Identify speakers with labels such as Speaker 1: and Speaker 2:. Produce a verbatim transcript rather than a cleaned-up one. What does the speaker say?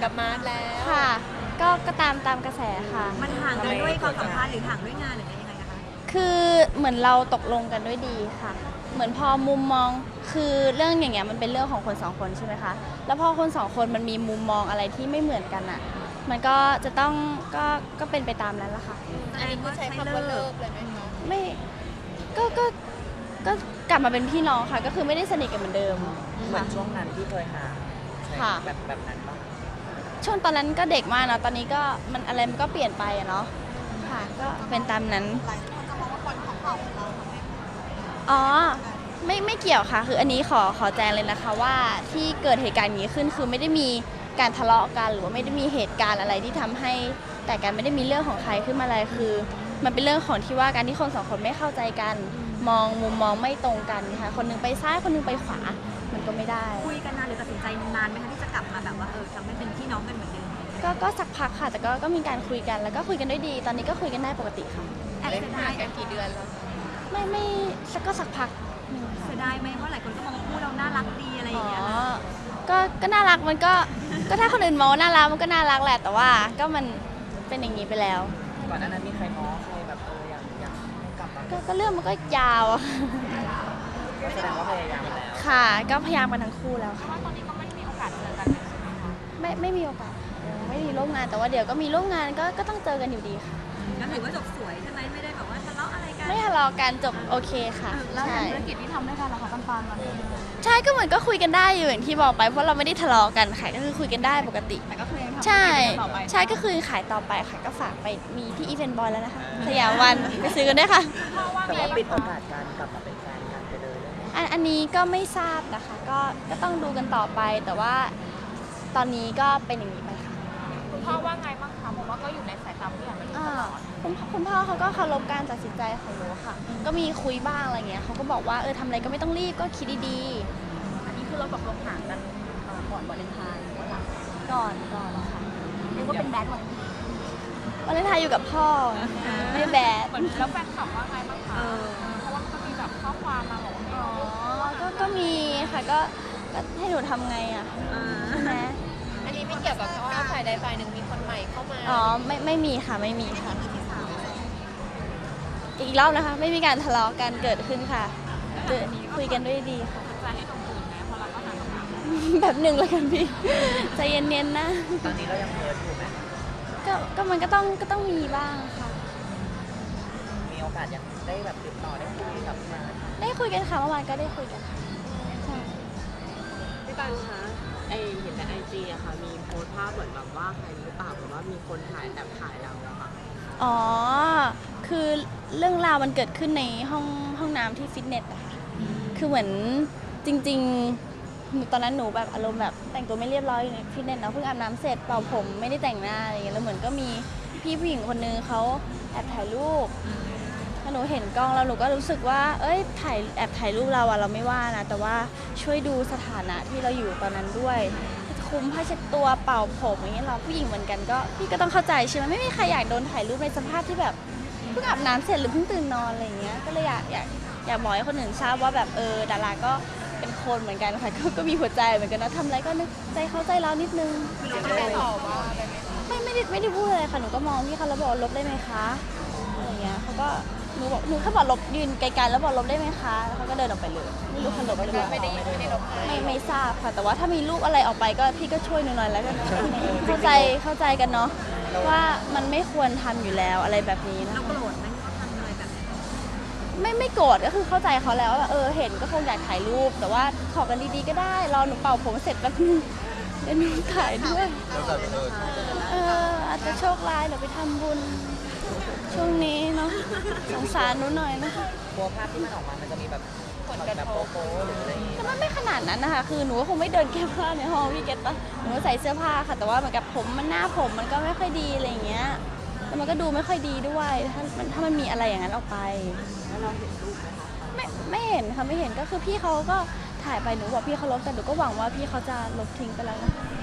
Speaker 1: กับมาร์ทแล้ว
Speaker 2: ค่ะก็ก็ตามตามกระแสค่ะ
Speaker 3: มันห่างกันด้วยความสัมพันธ์หรือห่างด้วยงานหรือยังไงนะคะ
Speaker 2: คือเหมือนเราตกลงกันด้วยดีค่ะ เหมือนพอมุมมองคือเรื่องอย่างเงี้ยมันเป็นเรื่องของคนสองคนใช่ไหมคะแล้วพอคนสองคนมันมีมุมมองอะไรที่ไม่เหมือนกันอ่ะมันก็จะต้องก็ก็เป็นไปตามนั้นแหละค่ะ
Speaker 1: อันนี้คือใช้คำว่าเลิกเลยไหมคะ
Speaker 2: ไม่ก็ก็ก็กลับมาเป็นพี่น้องค่ะก็คือไม่ได้สนิทกันเหมือนเดิม
Speaker 4: เหมือนช่วงนั้นที่เคยหา
Speaker 2: ค่ะ
Speaker 4: แบบแบบนั้นปะ
Speaker 2: ช่วงตอนนั้นก็เด็กมากเนาะตอนนี้ก็มันอะไรมันก็เปลี่ยนไปอะเนาะค่ะก็เป็นตามนั้นหลายคนจะมองว่าคนของเราอ๋อไม่ไม่เกี่ยวค่ะคืออันนี้ขอขอแจ้งเลยนะคะว่าที่เกิดเหตุการณ์อย่างนี้ขึ้นคือไม่ได้มีการทะเลาะกันหรือว่าไม่ได้มีเหตุการณ์อะไรที่ทำให้แต่กันไม่ได้มีเรื่องของใครขึ้นมาเลยคือ มันเป็นเรื่องของที่ว่าการที่คนสองคนไม่เข้าใจกันมองมุมมองไม่ตรงกันค่ะคนนึงไปซ้ายคนนึงไปขวามันก็ไม่ได้
Speaker 3: คุยกันนานหรือตัดสินใจนานไหมคะที่จะกลับมาแบบว่าเออทำให้เป็นพี่น้องกันเหมือนเดิม
Speaker 2: ก็ก็สักพักค่ะแต่ก็ก็มีการคุยกันแล้วก็คุยกันด้วยดี ตอนนี้ก็คุยกันได้ปกติค่ะ
Speaker 3: แอบเสียดาย
Speaker 1: กันกี่เดือนแล้ว
Speaker 2: ไม่ไม่สักก็สักพัก
Speaker 3: เสียดายไหมเพราะหลายคนก็มองว่าคู่เราน่ารักดีอะไรอย่างเงี้ย
Speaker 2: ก็ก็น่ารักมันก็ก็ถ้าคนอื่นมองว่าน่ารักมันก็น่ารักแหละแต่ว่าก็มันเป็นอย่างนี้ไปแล้ว
Speaker 4: ก่อนหน้านั้นมีใครง้อใครแบบเอออยากอยากให้กลับมา
Speaker 2: ก็เรื่องมันก็ยาวอะ
Speaker 4: ก็แสดงว่าพยายามแล้ว
Speaker 2: ค่ะก็พยายามกันทั้งคู่แล้วค่ะ
Speaker 1: ว่าตอนนี้ก็ไม่ได้มีโอกาสเจอกันใช่ไหมคะ
Speaker 2: ไม่ไม่มีโอกาสไม่มีร่วมงานแต่ว่าเดี๋ยวก็มีร่วมงานก็ก็ต้องเจอกันอยู่ดีค่ะ
Speaker 3: ก็ถือว่าจบสวยใช่ไหมไม่ได้แบบว่าทะเลาะอะไรกัน
Speaker 2: ไม่ทะเลาะกันจบโอเคค่ะ
Speaker 1: แล้วธุรกิจที่ทำด้วยกันล่ะคะปันปันมัน
Speaker 2: ใช่ก็เหมือนก็คุยกันได้อยู่อย่างที่บอกไปเพราะเราไม่ได้ทะเลาะกันค่ะก็คือคุยกันได้ปกติ
Speaker 1: แต่ก็คือยังทำ
Speaker 2: ใช่
Speaker 1: ต่อไป
Speaker 2: ใช่ก็คือขายต่อไปค่ะก็ฝากไปมีที่อีเวนต์บอยแล้วนะคะสยามวันไปซื้อกันได้ค่ะ
Speaker 4: แต่ว่าปิดโอกาสการกลับมาเป็นแฟนกันไปเลย
Speaker 2: อันอันนี้ก็ไม่ทราบนะคะก็ก็ต้องดูกันต่อไปแต่ว่าตอนนี้ก็เป็นอย่างนี้ไปค่ะ
Speaker 1: คุณพ่อว่าไงบ้างคะผมว่าก็อยู่ในสายตาผู้ใหญ่มาตลอด
Speaker 2: คุณคุณพ่อเขาก็เคารพการตัดสินใจของหนูค่ะก็มีคุยบ้างอะไรเงี้ยเขาก็บอกว่าเออทำอะไรก็ไม่ต้องรีบก็คิดดี
Speaker 1: ๆอันนี้คือเราตกลงห่างกันก่อนวาเลนไทน์หรือว่าหลัง
Speaker 2: ก่อนก่อนค่ะ
Speaker 1: เรียกว่าเป็นแบดวัน
Speaker 2: วาเลนไทน์อยู่กับพ่อไม่แบด
Speaker 1: แล้วแฟนคลับว่าไงบ้างคะเพราะว่าก็มีแบบข้อความมาบอกว่า
Speaker 2: อ๋อก็ก็มีค่ะก็ก็ให้หนูทำไงอ่ะใช่ไหม
Speaker 1: อันนี้ไม่เกี่ยวกับว่าฝ่ายใดฝ่ายหนึ่งมีคนใหม่เข้ามา
Speaker 2: อ๋อไม่ไม่มีค่ะไม่มีค่ะอีกรอบนะคะไม่มีการทะเลาะกันเกิดขึ้นค่ะคุยกันด้วยดีค่ะ
Speaker 1: จะให้ตรงอื่นนะเพราะเราก็ห่างกันมา
Speaker 2: แบบหนึ่งเลยกันพี่ใจเย็นๆนะ
Speaker 4: ตอนนี้เรายังเพิร์ทอยู่ไหม
Speaker 2: ก็ก็มันก็ต้องก็ต้องมีบ้างค่ะ
Speaker 4: มีโอกาสยังได้แบบติดต่อได้คุยกับมา
Speaker 2: ได้คุยกันค่ะเมื่อวานก็ได้คุยกันค่ะใช่
Speaker 5: พี่ตันคะไอเห็นในไอจีอะค่ะมีโพสต์ภาพเหมือนแบบว่าใครหรือเปล่าหรือว่ามีคนถ่ายแอบถ่ายเราอะค่ะ
Speaker 2: อ๋อคือเรื่องราวมันเกิดขึ้นในห้องห้องน้ำที่ฟิตเนสอะค่ะคือเหมือนจริงๆตอนนั้นหนูแบบอารมณ์แบบแต่งตัวไม่เรียบร้อยอยู่ในฟิตเนสเนาะเพิ่งอาบน้ำเสร็จเป่าผมไม่ได้แต่งหน้าอะไรเงี้ยแล้วเหมือนก็มีพี่ผู้หญิงคนนึงเขาแอบถ่ายรูปถ้าหนูเห็นกล้องแล้วหนูก็รู้สึกว่าเอ้ยถ่ายแอบถ่ายรูปเราอะเราไม่ว่านะแต่ว่าช่วยดูสถานะที่เราอยู่ตอนนั้นด้วยคุมผ้าเช็ดตัวเป่าผมอย่างเงี้ยเราผู้หญิงเหมือนกันก็พี่ก็ต้องเข้าใจใช่ไหมไม่มีใครอยากโดนถ่ายรูปในสภาพที่แบบเพิ่งอาบน้ำเสร็จหรือเพิ่งตื่นนอนอะไรเงี้ยก็เลยอยากอยากอยากบอกให้คนอื่นทราบว่าแบบเออดาราก็เป็นคนเหมือนกันค่ะก็ก็มีหัวใจเหมือนกันนะทำอะไรก็นึกใจเข้าใจเรานิดนึง
Speaker 1: ไม่ตอบว่า
Speaker 2: ไม่ไม่ได้ไม่ได้พูดอะไรค่ะหนูก็มองพี่เขาแล้วบอกลบได้ไหมคะอะไรเงี้ยเขาก็หนูบอกหนูแค่บอกลบยืนไกลๆแล้วบอกลบได้ไหมคะแล้วเขาก็เดินออกไปเลยไม่รู้เขาลบหรือเปล่า
Speaker 1: ไม่ได้ไม่ได้ลบ
Speaker 2: ไม่ไม่ทราบค่ะแต่ว่าถ้ามีรูปอะไรออกไปก็พี่ก็ช่วยหนูหน่อยแล้วกันเข้าใจเข้าใจกันเนาะว่ามันไม่ควรทำอยู่แล้วอะไรแบบนี้นะ
Speaker 3: เราโกรธไหมเขาทำอะไรแบบนี้
Speaker 2: ไม่ไม่โกรธก็คือเข้าใจเขาแล้วว่าเออเห็นก็คงอยากถ่ายรูปแต่ว่าขอกันดีๆก็ได้รอหนูเป่าผมเสร็จแป๊บนึงเดี๋ยวหนูถ่ายด้วยเอออาจจะโชคร้ายเดี๋ยวไปทำบุญช่วงนี้เนาะสงสารหนูหน่อยนะ
Speaker 4: กลัวภาพที่มันออกมามันจะมีแบบผลแบบโป๊ะหรืออะไรอย่างเงี้ย
Speaker 2: แต่มันไม่ขนาดนั้นนะคะคือหนูก็คงไม่เดินแก้ผ้าในห้องพี่เก็ตปะหนูใส่เสื้อผ้าค่ะแต่ว่าเหมือนกับผมมันหน้าผมมันก็ไม่ค่อยดีอะไรอย่างเงี้ยแล้วมันก็ดูไม่ค่อยดีด้วยถ้ามันถ้ามันมีอะไรอย่างนั้นออกไป
Speaker 5: แล้วเราเห็นรูปไหมคะ
Speaker 2: ไม่ไม่เห็นค่ะไม่เห็นก็คือพี่เขาก็ถ่ายไปหนูบอกพี่เขาลบแต่หนูก็หวังว่าพี่เขาจะลบทิ้งไปแล้วนะ